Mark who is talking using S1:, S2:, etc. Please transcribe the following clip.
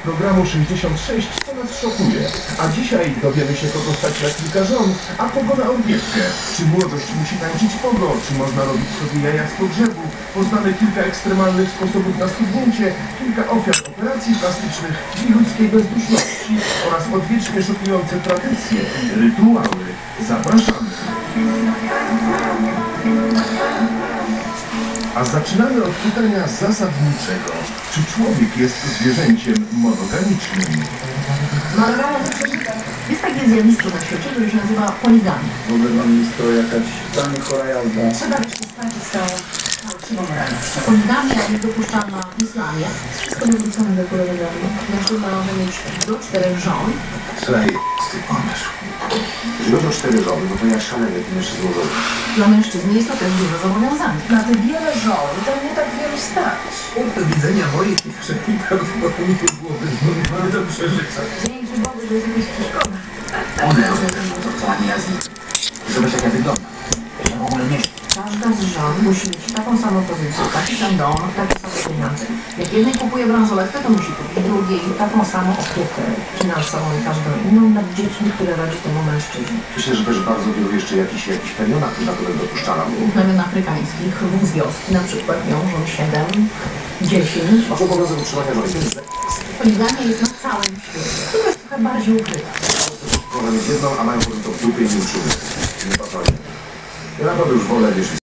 S1: programu 66, co nas szokuje. A dzisiaj dowiemy się, kogo stać na kilka żon, a kogo na orgiestkę. Czy młodość musi tańczyć pogo, czy można robić sobie jaja z pogrzebu. Poznamy kilka ekstremalnych sposobów na schudnięcie, kilka ofiar operacji plastycznych i ludzkiej bezduszności oraz odwiecznie szokujące tradycje i rytuały. Zapraszamy! A zaczynamy od pytania zasadniczego. Czy człowiek jest zwierzęciem monogamicznym?
S2: Monogamia jest takie zjawisko na świecie, które się nazywa poligamia.
S3: W ogóle mam jest to jakaś totalnie chora jazda.
S2: Trzeba się skończyć z tą fałszywą moralnością. Poligamia jest dopuszczalna w islamie. Wszystko wywrócone do polegami. Mężczyzna może mieć do 4 żon.
S4: Słuchaj, ty pomysł. Jeżeli chodzi o 4 żony, no to ja szaleję tym jeszcze złożony.
S2: Dla mężczyzny jest to też dużo zobowiązań.
S5: Na te wiele żon to nie tak wielu stać.
S3: Z punktu widzenia mojej kieszeni prawdopodobnie byłoby nie do przeżycia.
S2: Dzięki Bogu, że jest jakaś przeszkoda.
S4: One robią to, co ani ja z nich. Zobacz, jak ja wyglądam. Ja w ogóle nie śpię.
S2: Każda z żon musi mieć taką samą pozycję, taki sam dom, takie same pieniądze. Jak jednej kupuje bransoletkę, to musi kupić drugiej taką samą opiekę finansową i każdą inną nad dziećmi, które rodzi temu mężczyźnie.
S4: Myślę, że też bardzo wielu jeszcze jakichś plemionach naturalnych dopuszczana.
S2: W plemion afrykańskich wóz wioski na przykład wiążą 7, 10.
S4: Masz obowiązek utrzymania żony.
S2: Poligamia jest na całym świecie. To jest trochę bardziej ukryta.
S4: Kocham jest jedną, a mają potem to w dupie i nie utrzymują. Nie patrzą. Ja naprawdę już wolę, wiesz,